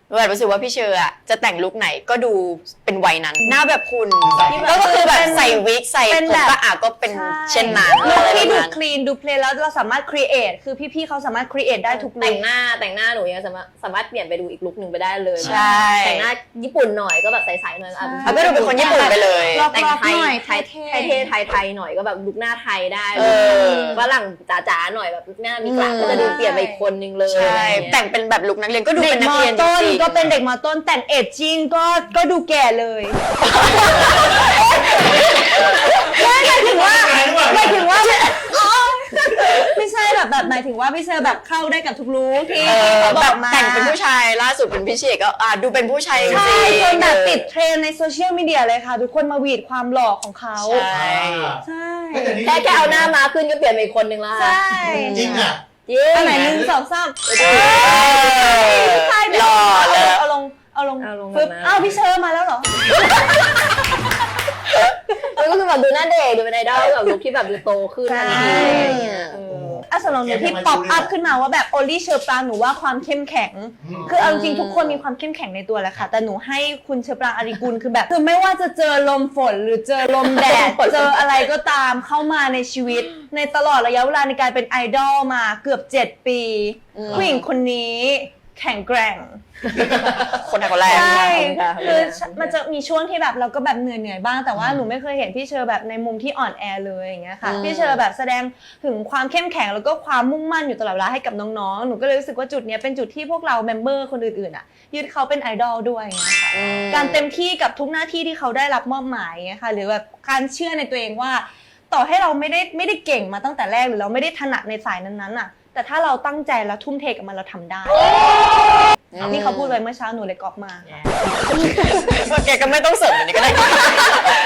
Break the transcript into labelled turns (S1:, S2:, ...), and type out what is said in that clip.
S1: แบบรู้สึกว่าพี่เชอร์อะจะแต่งลุคไหนก็ดูเป็นวัยนั้นหน้าแบบคุณก็คือแบบใส่วิกใส่ผมก็ก็เป็นเช่นนั้น
S2: ลุคที่ดูคลีนดูเพลนแล้วเราสามารถครีเอทคือพี่ๆเขาสามารถครีเอทได้ทุกลุค
S3: แต่งหน้าหนูยังสามารถเปลี่ยนไปดูอีกลุคหนึ่งไปได้เลย
S1: ใช่
S3: แต่งหน้าญี่ปุ่นหน่อยก็แบบใสๆหน่อย
S1: ก็ดูเป็นคนญี่ปุ่นไปเลย
S3: แต่งไทยไทยหน่อยก็แบบลุคหน้าไทยได้ฝรั่งจ๋าๆหน่อยแบบหน้ามีกระก็จะดูเปลี่ยนไปอีกคนนึงเลย
S1: ใช่แต่งเป็นแบบลุคนักเรียนก็ดูเป็นนักเรียนจริง
S2: ก็เป็นเด็กม.ต้นแต่งเอจจิ้งก็ดูแก่เลยไม่หมายถึงว่าไม่ใช่แบบหมายถึงว่าพี่เชอร์แบบเข้าได้กับทุกลุคที่เขาบอกมา
S1: แต่งเป็นผู้ชายล่าสุดเป็นพี่เชษก็ดูเป็นผู้ชายจริง
S2: ใช่จนแบบติดเทรนในโซเชียลมีเดียเลยค่ะทุกคนมาหวีดความหล่อของเขาใช่
S3: แค่เอาหน้ามาขึ้นก็เปลี่ยนไปอีกคนนึงแล้ว
S2: ใช่
S4: จริงอ่ะ
S2: อันไหน1 2 3
S1: หล่อเลย
S2: เอาลงฟึบอ้าวพี่เชอร์มาแล้วเหรอ
S3: ก็คือแบบดูหน้าเด็กดูเป็นไอดอลแบบลุคที่แบบดูโตขึ้นอะไรอย่างเงี้ย
S2: สำหรับหนูที่ป๊อปอัพขึ้นมาว่าแบบโอลี่เชอร์ปรางหนูว่าความเข้มแข็งคือเอาจริงทุกคนมีความเข้มแข็งในตัวแหละค่ะแต่หนูให้คุณเชอร์ปรางอาริกุลคือแบบคือไม่ว่าจะเจอลมฝนหรือเจอลมแดดเจออะไรก็ตามเข้ามาในชีวิตในตลอดระยะเวลาในการเป็นไอดอลมาเกือบ7 ปีผู้หญิงคนนี้แข็งแกร่ง
S1: คนไทยคนแรก
S2: ใช่คือมันจะมีช่วงที่แบบเราก็แบบเหนื่อยบ้างแต่ว่าหนูไม่เคยเห็นพี่เชอร์แบบในมุมที่อ่อนแอเลยอย่างเงี้ยค่ะพี่เชอร์แบบแสดงถึงความเข้มแข็งแล้วก็ความมุ่งมั่นอยู่ตลอดเวลาให้กับน้องๆหนูก็เลยรู้สึกว่าจุดนี้เป็นจุดที่พวกเราเมมเบอร์คนอื่นๆอ่ะยึดเขาเป็นไอดอลด้วยอย่างเงี้ยค่ะการเต็มที่กับทุกหน้าที่ที่เขาได้รับมอบหมายเงี้ยค่ะหรือแบบการเชื่อในตัวเองว่าต่อให้เราไม่ได้เก่งมาตั้งแต่แรกหรือเราไม่ได้ถนัดในสายนั้นๆอ่ะแต่ถ้าเราตั้งใจแล้วทุ่มเทกับมันเราทำได้นี่เขาพูดไว้เมื่อเช้าหนูเลยก๊อปมา
S1: แกก็ไม่ต้องเสริมอันนี้ก็ได้